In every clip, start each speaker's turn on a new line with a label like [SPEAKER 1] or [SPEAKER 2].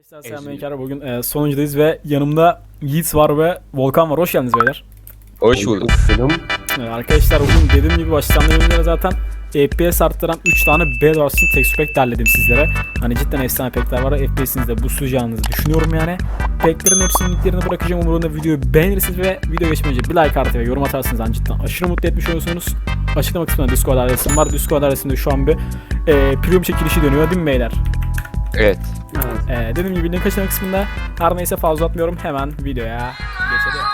[SPEAKER 1] Arkadaşlar selamünaleyküm. Bugün sonuncudayız ve yanımda Yiğit var ve Volkan var. Hoş geldiniz beyler.
[SPEAKER 2] Hoş bulduk.
[SPEAKER 1] Arkadaşlar bugün dediğim gibi baştan bölümlere zaten FPS arttıran 3 tane Bedwars için texture pack derledim sizlere. Hani cidden efsane packler var. FPS'inizde bu suacağınızı düşünüyorum yani. Packlerin hepsinin linklerini bırakacağım. Umarım videoyu beğenirsiniz ve video geçmeden önce bir like artı ve yorum atarsınız. Hani cidden aşırı mutlu etmiş olursunuz. Açıklama kısmında Discord adresim var. Discord adresinde şu an bir premium çekilişi dönüyor değil mi beyler?
[SPEAKER 2] Evet.
[SPEAKER 1] Dediğim gibi link açıklama kısmında. Her neyse fazla atmıyorum. Hemen videoya geçelim.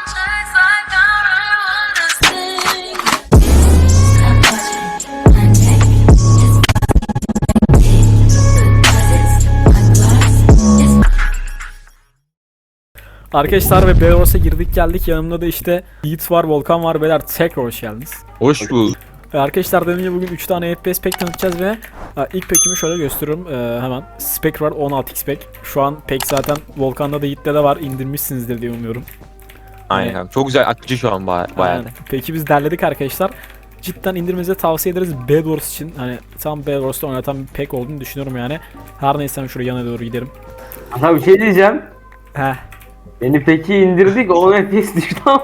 [SPEAKER 1] Arkadaşlar ve Bedwars'a girdik geldik. Yanımda da işte Yiğit var, Volkan var. Beyler tekrar hoş geldiniz.
[SPEAKER 2] Hoş bulduk.
[SPEAKER 1] Arkadaşlar dediğim gibi bugün 3 tane FPS pack tanıtacağız ve ilk pack'imi şöyle gösteriyorum hemen. Spec var 16x pack. Şu an pack zaten Volkan'da da Yiğit'te de var. İndirmişsinizdir diye umuyorum.
[SPEAKER 2] Aynen. Çok güzel akıcı şu an bayağı.
[SPEAKER 1] Peki biz derledik arkadaşlar. Cidden indirmenizi tavsiye ederiz Bedwars için. Hani tam Bedwars'ta oynatan bir pack olduğunu düşünüyorum yani. Her neyse şuraya yana doğru giderim.
[SPEAKER 3] Ama bir şey diyeceğim.
[SPEAKER 1] Heh.
[SPEAKER 3] Beni peki indirdik 10 FPS düştü ama.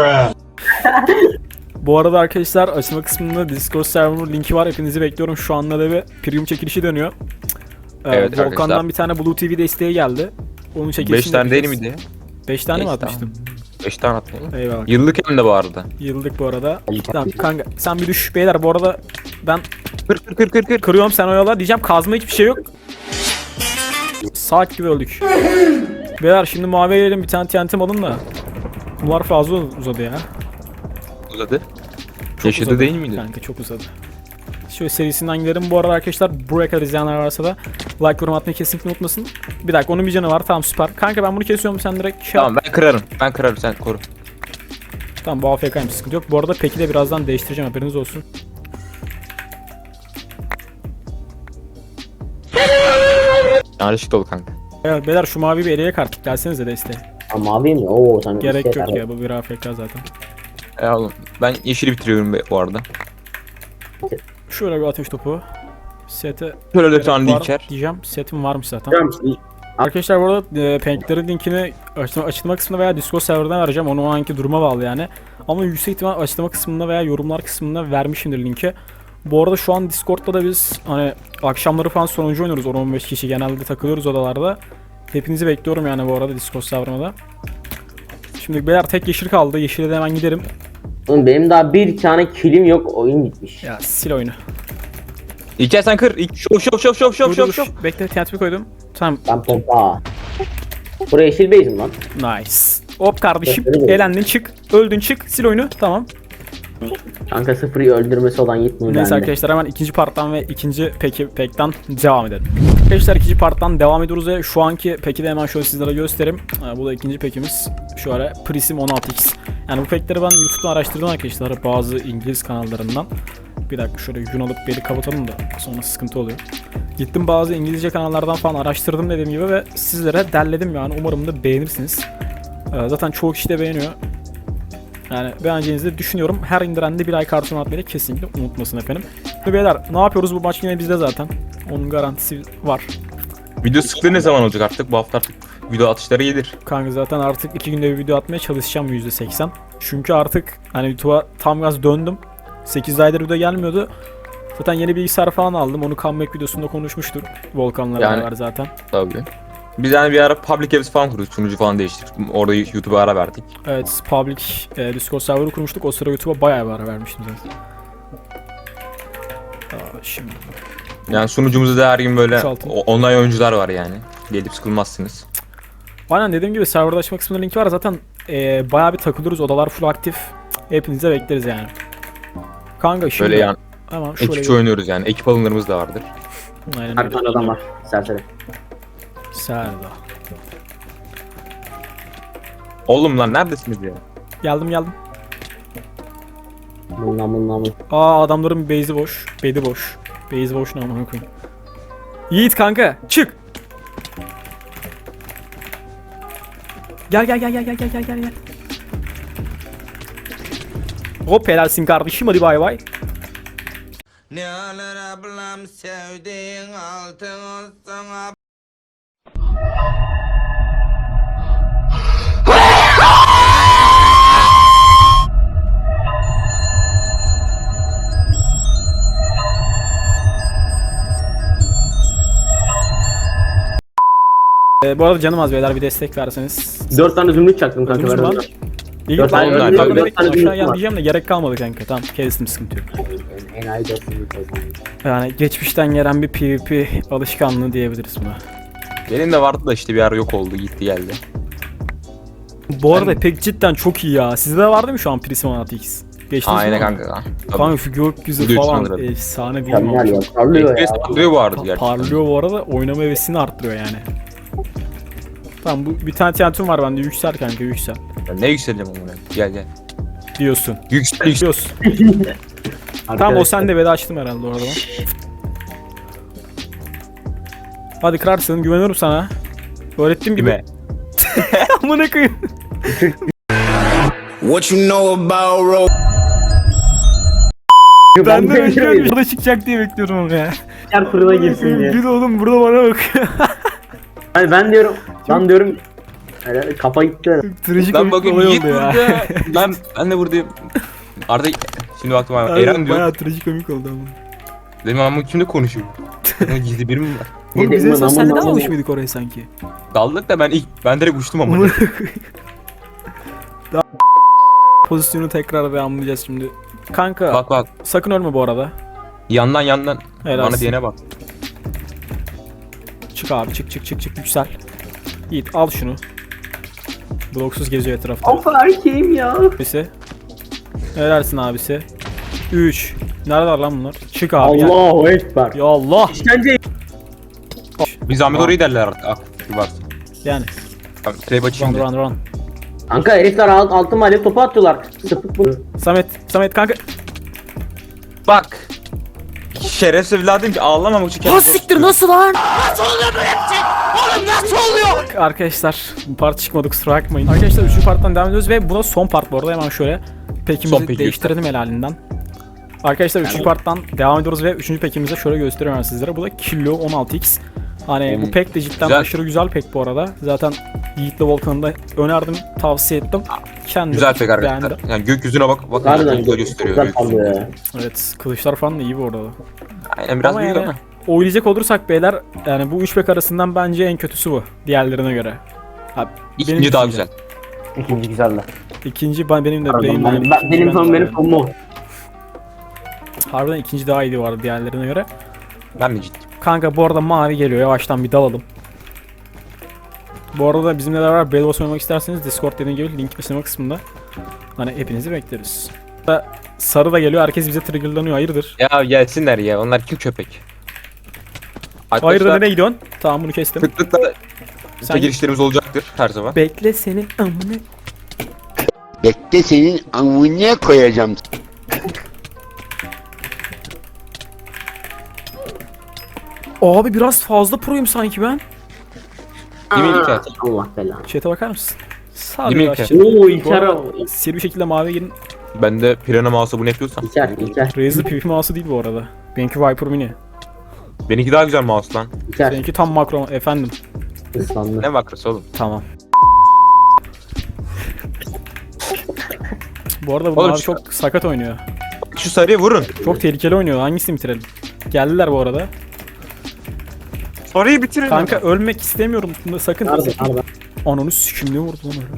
[SPEAKER 1] Bu arada arkadaşlar açılma kısmında Discord server linki var. Hepinizi bekliyorum. Şu anda da bir premium çekilişi dönüyor.
[SPEAKER 2] Evet
[SPEAKER 1] Volkan'dan
[SPEAKER 2] arkadaşlar.
[SPEAKER 1] Bir tane Blue TV desteği geldi. Onun
[SPEAKER 2] 5
[SPEAKER 1] çekilişini
[SPEAKER 2] tane değil
[SPEAKER 1] yapacağız.
[SPEAKER 2] miydi?
[SPEAKER 1] 5 tane mi
[SPEAKER 2] Beş
[SPEAKER 1] atmıştım?
[SPEAKER 2] 5 tane attın.
[SPEAKER 1] Eyvallah.
[SPEAKER 2] Yıllık hem de bu arada.
[SPEAKER 1] Yıldık bu arada. Tamam kanka sen bir düş beyler bu arada ben
[SPEAKER 2] Kır.
[SPEAKER 1] kırıyorum sen oyala diyeceğim kazma hiçbir şey yok. Saat gibi öldük. Beyler şimdi maviye gelelim bir tane TNT'm alın da. Bunlar fazla uzadı ya.
[SPEAKER 2] Uzadı.
[SPEAKER 1] Çok
[SPEAKER 2] Yaşadı
[SPEAKER 1] uzadı.
[SPEAKER 2] değil miydi?
[SPEAKER 1] Kanka çok uzadı. Şöyle serisinden gidelim. Bu arada arkadaşlar buraya kadar izleyenler varsa da like yorum atmayı kesinlikle unutmasın. Bir dakika onun bir canı var tamam süper. Kanka ben bunu kesiyorum sen direkt şey
[SPEAKER 2] Tamam ben kırarım. Ben kırarım sen koru.
[SPEAKER 1] Tamam bu AFK'ymış sıkıntı yok. Bu arada peki de birazdan değiştireceğim haberiniz olsun.
[SPEAKER 2] Yanlışlık dolu kanka.
[SPEAKER 1] Evet beyler şu mavi bir eleye kartlık gelsenize desteğe.
[SPEAKER 3] Ama abi mi? Oo sen
[SPEAKER 1] Gerek yok ya bu bir AFK zaten.
[SPEAKER 2] Oğlum ben yeşili bitiriyorum bu arada.
[SPEAKER 1] Şöyle bir ateş topu. Sete
[SPEAKER 2] Şöyle de
[SPEAKER 1] gerek
[SPEAKER 2] tane
[SPEAKER 1] var
[SPEAKER 2] linker.
[SPEAKER 1] diyeceğim. Setim varmış zaten.
[SPEAKER 3] Tamam.
[SPEAKER 1] Arkadaşlar bu arada panklerin linkini açıklama kısmında veya Discord serverdan vereceğim. Onu o anki duruma bağlı yani. Ama yüksek ihtimal açıklama kısmında veya yorumlar kısmında vermişimdir linki. Bu arada şu an Discord'da da biz hani akşamları falan sonuncu oynuyoruz. 10-15 kişi genelde takılıyoruz odalarda. Hepinizi bekliyorum yani bu arada Discord serverına da. Şimdi beyler tek yeşil kaldı. Yeşile de hemen giderim.
[SPEAKER 3] Oğlum benim daha bir tane kilim yok, oyun bitmiş.
[SPEAKER 1] Ya sil oyunu.
[SPEAKER 2] İlker sen kır. Şov.
[SPEAKER 1] Bekle TNT koydum. Tamam.
[SPEAKER 3] Ben pompa. Buraya yeşil base'im lan.
[SPEAKER 1] Nice. Hop kardeşim.
[SPEAKER 3] Evet.
[SPEAKER 1] Elendin çık. Öldün çık. Sil oyunu. Tamam.
[SPEAKER 3] Kanka sıfırı öldürmesi olan yetmiyor.
[SPEAKER 1] Neyse
[SPEAKER 3] bende.
[SPEAKER 1] arkadaşlar hemen ikinci parttan ve ikinci pack'tan devam edelim. Arkadaşlar ikinci parttan devam ediyoruz ve şu anki pack'i de hemen şöyle sizlere göstereyim. Bu da ikinci pack'imiz. Şöyle Prism 16x. Yani bu pack'leri ben YouTube'dan araştırdım arkadaşlar bazı İngiliz kanallarından. Bir dakika şöyle gün alıp beni kapatalım da sonra sıkıntı oluyor. Gittim bazı İngilizce kanallardan falan araştırdım dediğim gibi ve sizlere derledim yani umarım da beğenirsiniz. Zaten çoğu kişi de beğeniyor. Yani beğeneceğinizi de düşünüyorum. Her indiren de bir like artı atmayı da kesinlikle unutmasın efendim. Ve beyler ne yapıyoruz bu maç yine bizde zaten. Onun garantisi var.
[SPEAKER 2] Video sıklığı ne zaman olacak artık? Bu hafta artık video atışları gelir.
[SPEAKER 1] Kanka zaten artık 2 günde bir video atmaya çalışacağım %80. Çünkü artık hani YouTube'a tam gaz döndüm. 8 aydır video gelmiyordu. Zaten yeni bilgisayar falan aldım. Onu comeback videosunda konuşmuştuk. Volkan'la
[SPEAKER 2] Yani-
[SPEAKER 1] beraber zaten.
[SPEAKER 2] Tabii. Biz yani bir ara public apps falan kurduk. Sunucu falan değiştirdik. Orada YouTube'a ara verdik.
[SPEAKER 1] Evet, public Discord server'ı kurmuştuk. O sıra YouTube'a bayağı bir ara vermiştim zaten. Şimdi
[SPEAKER 2] Yani sunucumuzda da her gün böyle
[SPEAKER 1] Boşaltın.
[SPEAKER 2] online oyuncular var yani. Gelip sıkılmazsınız.
[SPEAKER 1] aynen dediğim gibi serverda açma kısmında linki var. Zaten bayağı bir takılıyoruz. Odalar full aktif. Hepinize bekleriz yani. Kanka şimdi
[SPEAKER 2] Böyle yani
[SPEAKER 1] hemen şöyle
[SPEAKER 2] ekipçe oynuyoruz yani. Ekip alımlarımız da vardır.
[SPEAKER 1] aynen
[SPEAKER 3] Her
[SPEAKER 1] öyle.
[SPEAKER 3] tane adam var. Serseri.
[SPEAKER 1] Serda.
[SPEAKER 2] Oğlum lan neredesiniz ya?
[SPEAKER 1] Geldim.
[SPEAKER 3] Bundan.
[SPEAKER 1] Adamların base'i boş. Bedi boş. Base boş ne amına koyayım. Yiğit kanka çık. Gel. Hop helalsin kardeşim hadi bay bay.
[SPEAKER 4] Ne alır ablam sevdiğin altın olsun
[SPEAKER 1] Bu arada canım az beyler, bir destek verseniz.
[SPEAKER 3] 4 tane zümrüt çaktım kanka.
[SPEAKER 1] Öldünüz mü
[SPEAKER 3] verdim
[SPEAKER 1] lan?
[SPEAKER 3] ben.
[SPEAKER 1] İyi
[SPEAKER 3] Dört
[SPEAKER 1] tamam,
[SPEAKER 3] tane
[SPEAKER 1] ben
[SPEAKER 3] öldüm,
[SPEAKER 1] yukarıda
[SPEAKER 3] dört
[SPEAKER 1] bekle,
[SPEAKER 3] tane
[SPEAKER 1] aşağı
[SPEAKER 3] zümrüt
[SPEAKER 1] gel
[SPEAKER 3] var.
[SPEAKER 1] diyeceğim de gerek kalmadı kanka. Tamam, kestim, sıkıntı yok.
[SPEAKER 3] Enayi 4 zümrüt o zaman.
[SPEAKER 1] Yani geçmişten gelen bir PvP alışkanlığı diyebiliriz buna.
[SPEAKER 2] Benim de vardı da işte bir ara yok oldu, gitti geldi.
[SPEAKER 1] Bu arada pek cidden çok iyi ya. Sizde de vardı mı şu an Prism 16x? Geçtiniz
[SPEAKER 2] Aynen
[SPEAKER 1] mi?
[SPEAKER 2] kanka.
[SPEAKER 1] Kanka şu gökyüzü
[SPEAKER 2] Video
[SPEAKER 1] falan
[SPEAKER 2] için alırım.
[SPEAKER 1] efsane değil mi?
[SPEAKER 3] Mükemmel ya.
[SPEAKER 1] abi?
[SPEAKER 3] Parlıyor ya.
[SPEAKER 2] FPS patlıyor bu arada gerçekten.
[SPEAKER 1] Parlıyor bu arada, oynama hevesini arttırıyor yani. Tamam, bu bir tane TNT'm var bende, yüksel kanka, yüksel.
[SPEAKER 2] Ben ne yükseleceğim onu? Gel gel.
[SPEAKER 1] Diyorsun.
[SPEAKER 2] Yüksel yüksel.
[SPEAKER 1] Diyorsun. Tamam, o sende, veda açtım herhalde orada ben. Hadi kırarsın, güveniyorum sana. Öğrettiğim gibi.
[SPEAKER 2] Kime?
[SPEAKER 1] Amına koyayım.
[SPEAKER 4] What you know about road?
[SPEAKER 1] Ben de
[SPEAKER 3] de
[SPEAKER 1] bekliyorum, yola çıkacak diye bekliyorum onu ya.
[SPEAKER 3] Yer fırına girsin diye.
[SPEAKER 1] Bir de oğlum burada bana bak.
[SPEAKER 3] Hani ben diyorum. Lan diyorum. Öyle kafa gitti.
[SPEAKER 1] Trajik
[SPEAKER 2] Lan
[SPEAKER 1] komik bir
[SPEAKER 2] bakın
[SPEAKER 1] olay
[SPEAKER 2] Yiğit
[SPEAKER 1] oldu ya.
[SPEAKER 2] burada. Ben de buradayım. Arda şimdi baktım abi.
[SPEAKER 1] Aynen,
[SPEAKER 2] Eren diyor.
[SPEAKER 1] bayağı trajik komik oldu ama.
[SPEAKER 2] Dedim ama kimle konuşuyor? Bunun gizli biri mi var?
[SPEAKER 1] Oğlum biz en son
[SPEAKER 3] Aman,
[SPEAKER 1] seninle
[SPEAKER 3] aman,
[SPEAKER 1] dalmamış
[SPEAKER 3] aman.
[SPEAKER 1] mıydık oraya sanki?
[SPEAKER 2] Daldık da ben direkt uçtum ama.
[SPEAKER 1] Pozisyonu tekrar devamlayacağız şimdi. Kanka
[SPEAKER 2] Bak bak.
[SPEAKER 1] sakın ölme bu arada.
[SPEAKER 2] Yandan.
[SPEAKER 1] Helalsin.
[SPEAKER 2] Bana diyene bak.
[SPEAKER 1] Çık abi, çık yüksel. Yiğit al şunu. Bloksuz geziyor etrafta.
[SPEAKER 3] Of erkeğim ya.
[SPEAKER 1] Abisi. Helalsin abisi. 3. Neredeler lan bunlar? Çık abi gel.
[SPEAKER 3] Allahu ekber.
[SPEAKER 1] Ya Allah.
[SPEAKER 3] İşkence.
[SPEAKER 2] Bir zahmet orayı derler artık. Ah, bir bak.
[SPEAKER 1] Yani.
[SPEAKER 2] Tamam, trap açayım da.
[SPEAKER 1] Run.
[SPEAKER 3] Kanka herifler altın alev topu atıyorlar. Sıfık bu.
[SPEAKER 1] Samet kanka.
[SPEAKER 2] Bak. Şerefsiz evladım ki ağlamamak için
[SPEAKER 1] Ha siktir, nasıl lan? Nasıl oluyor böyle bir şey? Oğlum nasıl oluyor? Arkadaşlar bu part çıkmadı, kusura bakmayın. Arkadaşlar 3. parttan devam ediyoruz ve buna son part bu arada, hemen şöyle
[SPEAKER 2] Son
[SPEAKER 1] pekimizi
[SPEAKER 2] peki.
[SPEAKER 1] değiştirelim helalinden. Arkadaşlar 3. parttan devam ediyoruz ve 3. pekimizi şöyle gösteriyorum sizlere. Bu da Kilo 16x. Hani bu pek de cidden
[SPEAKER 2] Güzel.
[SPEAKER 1] aşırı güzel pek bu arada. Zaten Yiğit'le Volkan'ı da önerdim, tavsiye ettim. Kendim
[SPEAKER 2] Güzel pek arkadaşlar.
[SPEAKER 1] beğendim.
[SPEAKER 2] Yani gökyüzüne bak. Bakın
[SPEAKER 3] Harbiden
[SPEAKER 2] güzel gösteriyor.
[SPEAKER 3] güzel
[SPEAKER 2] gökyüzünü.
[SPEAKER 3] parlıyor ya.
[SPEAKER 1] Evet, kılıçlar falan da iyi bu arada.
[SPEAKER 2] Aynen biraz
[SPEAKER 1] Ama
[SPEAKER 2] büyük
[SPEAKER 1] yani
[SPEAKER 2] ama.
[SPEAKER 1] oynayacak olursak beyler, yani bu 3 pek arasından bence en kötüsü bu diğerlerine göre. Abi,
[SPEAKER 2] İkinci daha güzel.
[SPEAKER 3] İkinci güzel de.
[SPEAKER 1] İkinci benim de
[SPEAKER 3] Pardon,
[SPEAKER 1] benim de ikinci
[SPEAKER 3] benim
[SPEAKER 1] ben
[SPEAKER 3] son
[SPEAKER 1] de
[SPEAKER 3] benim
[SPEAKER 1] yani.
[SPEAKER 3] son mu?
[SPEAKER 1] Harbiden ikinci daha iyiydi vardı diğerlerine göre.
[SPEAKER 2] Ben mi ciddi?
[SPEAKER 1] Kanka bu arada mavi geliyor, yavaştan bir dalalım. Bu arada bizimle beraber Bedwars oynamak isterseniz Discord dediğim gibi link açıklama kısmında. Hani hepinizi bekleriz. Sarı da geliyor, herkes bize triggerlanıyor, hayırdır?
[SPEAKER 2] Ya gelsinler ya. Onlar kim köpek?
[SPEAKER 1] Hayırdır, nereye gidiyorsun? Tamam, bunu kestim.
[SPEAKER 2] Sıklıkla
[SPEAKER 1] Sen
[SPEAKER 2] girişlerimiz olacaktır her zaman.
[SPEAKER 1] bekle, senin amına.
[SPEAKER 5] Bekle senin amına koyacağım.
[SPEAKER 1] Abi biraz fazla proyum sanki ben.
[SPEAKER 2] Değil mi İlker?
[SPEAKER 3] Allah belanı.
[SPEAKER 1] Chat'e bakar mısın? Sağ
[SPEAKER 2] Değil mi
[SPEAKER 1] ol
[SPEAKER 2] İlker?
[SPEAKER 1] aşağı.
[SPEAKER 3] Oo
[SPEAKER 1] Bu
[SPEAKER 3] İlker
[SPEAKER 1] arada
[SPEAKER 3] o.
[SPEAKER 1] seri bir şekilde maviye girin.
[SPEAKER 2] Ben de Pirana Mouse'a bunu yapıyorsam.
[SPEAKER 3] İlker.
[SPEAKER 1] Razer PvP mouse'u değil bu arada. Benimki Viper Mini.
[SPEAKER 2] Benimki daha güzel mouse lan.
[SPEAKER 3] İlker.
[SPEAKER 1] Benimki tam makro efendim.
[SPEAKER 3] Islandı.
[SPEAKER 2] Ne makrosu oğlum?
[SPEAKER 1] Tamam. Bu arada bu
[SPEAKER 2] Oğlum
[SPEAKER 1] mavi
[SPEAKER 2] şu-
[SPEAKER 1] çok sakat oynuyor.
[SPEAKER 2] Şu sarıyı vurun.
[SPEAKER 1] Çok tehlikeli oynuyor. Hangisini bitirelim? Geldiler bu arada.
[SPEAKER 2] Sarıyı bitirin.
[SPEAKER 1] Kanka ölmek istemiyorum. Bunda sakın.
[SPEAKER 3] Nerede?
[SPEAKER 1] Ananı sikim ne vurdu lan öyle.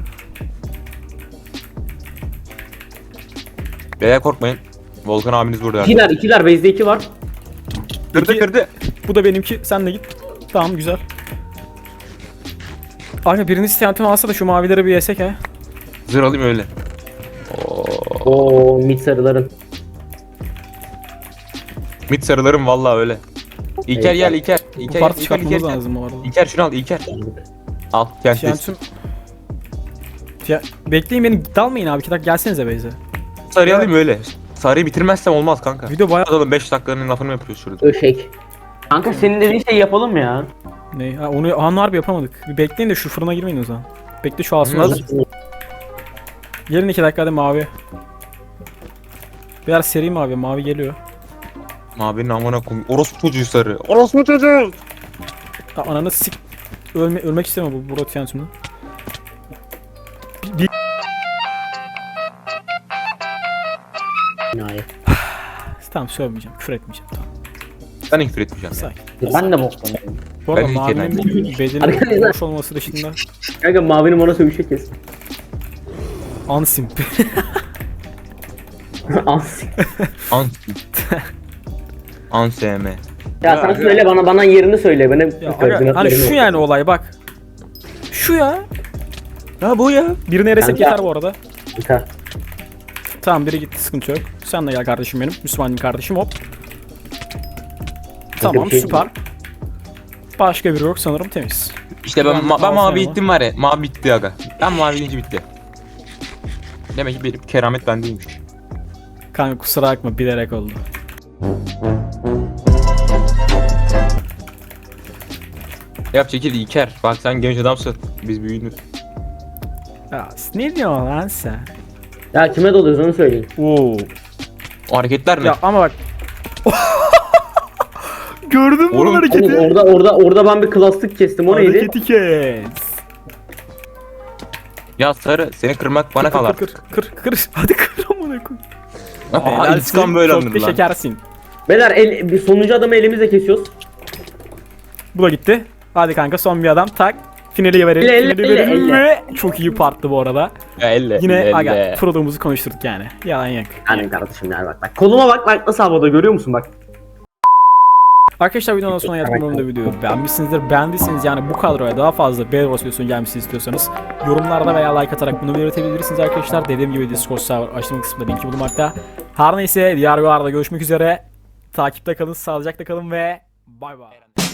[SPEAKER 2] Beyler korkmayın. Volkan abiniz burada.
[SPEAKER 3] İkiler base'de 2 var.
[SPEAKER 2] Kırdı.
[SPEAKER 1] Bu da benimki. Sen de git. Tamam, güzel. Kanka biriniz isteyantim alsa da şu mavileri bir yesek he.
[SPEAKER 2] Zırh alayım öyle.
[SPEAKER 3] Oo mid sarıların.
[SPEAKER 2] Mid sarılarım vallahi öyle. İlker gel İlker.
[SPEAKER 1] Bu
[SPEAKER 2] İlker
[SPEAKER 1] parti
[SPEAKER 2] İlker
[SPEAKER 1] çıkartmamız
[SPEAKER 2] İlker.
[SPEAKER 1] lazım bu arada.
[SPEAKER 2] İlker şunu al İlker. Al gel.
[SPEAKER 1] Tiyantum... Bekleyin beni, dalmayın abi, 2 dakika gelsenize Beyze.
[SPEAKER 2] Sarıyı alayım öyle. Sarıyı bitirmezsem olmaz kanka.
[SPEAKER 1] Video bayağı...
[SPEAKER 2] Adamın 5 dakikanın lafını mı yapıyoruz şurada?
[SPEAKER 3] Öşek. Kanka senin dediğin şey yapalım ya.
[SPEAKER 1] Ne? Ha, onu harbi yapamadık. Bir bekleyin de şu fırına girmeyin o zaman. Bekle şu asma.
[SPEAKER 2] Nasıl?
[SPEAKER 1] Gelin 2 dakikada mavi. Biraz seri mavi geliyor.
[SPEAKER 2] Mavinin amına koyayım. Orospu çocuğu sarı. Orospu çocuğu.
[SPEAKER 1] Ha, ananı sik... Ölmek istemiyor bu rotasyonda.
[SPEAKER 3] Hayır.
[SPEAKER 1] Tamam, sövmeyeceğim, küfür etmeyeceğim, tamam.
[SPEAKER 2] Ben küfür etmeyeceğim.
[SPEAKER 1] Sakin.
[SPEAKER 3] Ben de boktan.
[SPEAKER 1] Bu arada
[SPEAKER 2] Ben ilk
[SPEAKER 1] mavinin bedenin
[SPEAKER 3] Arkadaşlar.
[SPEAKER 1] boş olması dışında
[SPEAKER 3] Kanka mavinin bana sövüşe kes.
[SPEAKER 1] ansimp.
[SPEAKER 3] As.
[SPEAKER 2] Ansm.
[SPEAKER 3] Ya sen söyle bana yerini söyle. Bana
[SPEAKER 1] Ya aga, hani şu yani olay bak. Şu ya.
[SPEAKER 2] Ya bu ya.
[SPEAKER 1] Birini eresek
[SPEAKER 3] Kanka.
[SPEAKER 1] yeter bu arada.
[SPEAKER 3] Kanka.
[SPEAKER 1] Tamam biri gitti sıkıntı yok. Sen de gel kardeşim benim. Müslümanım kardeşim hop. Tamam
[SPEAKER 3] bir şey
[SPEAKER 1] süper. Başka biri yok sanırım temiz.
[SPEAKER 2] İşte
[SPEAKER 1] Ben
[SPEAKER 2] ben
[SPEAKER 1] Ansem
[SPEAKER 2] mavi
[SPEAKER 1] var.
[SPEAKER 2] ittim var ya. Mavi bitti aga. Ben mavi deyince bitti. Demek ki benim keramet bendeymiş.
[SPEAKER 1] Kanka kusura bakma bilerek oldu.
[SPEAKER 2] Yap çekil İlker. Bak sen genç adamsın. Biz büyüğünüz.
[SPEAKER 1] Ya ne diyorsun lan sen?
[SPEAKER 3] Ya kime doluyoruz onu söyleyin.
[SPEAKER 1] Oo.
[SPEAKER 2] O hareketler ne?
[SPEAKER 1] Ya ama bak. Gördün mü
[SPEAKER 2] Oğlum,
[SPEAKER 1] bu hareketi?
[SPEAKER 3] Oğlum orada ben bir klaslık kestim. O neydi?
[SPEAKER 1] Hareketi kes.
[SPEAKER 2] Ya sarı seni kırmak bana kalır.
[SPEAKER 1] Kır. Hadi kır amına koy.
[SPEAKER 2] Aa,
[SPEAKER 1] Helalsin,
[SPEAKER 2] intikam böyle
[SPEAKER 1] çok
[SPEAKER 2] alınır
[SPEAKER 1] da
[SPEAKER 2] lan.
[SPEAKER 1] şekersin.
[SPEAKER 3] Beyler bir sonuncu adamı elimizle kesiyoruz.
[SPEAKER 1] Bu da gitti. Hadi kanka son bir adam tak. Finali verelim.
[SPEAKER 3] Elle,
[SPEAKER 1] Finali verelim
[SPEAKER 3] elle.
[SPEAKER 1] ve çok iyi parttı bu arada.
[SPEAKER 2] Ya elle.
[SPEAKER 1] Yine
[SPEAKER 2] elle.
[SPEAKER 1] aga proluğumuzu konuşturduk yani. Yalan yok.
[SPEAKER 3] Yani kardeşim yani bak. Koluma bak nasıl havada görüyor musun bak.
[SPEAKER 1] Arkadaşlar videonun sonuna geldik. Umarım da videoyu beğenmişsinizdir. Beğendiyseniz yani bu kadroya daha fazla Bedwars versiyonu gelmesini istiyorsanız yorumlarda veya like atarak bunu belirtebilirsiniz arkadaşlar. Dediğim gibi Discord server açılma kısmında linki bulunmakta. Her neyse diğer videolarda görüşmek üzere. Takipte kalın, sağlıcakla kalın ve bay bay.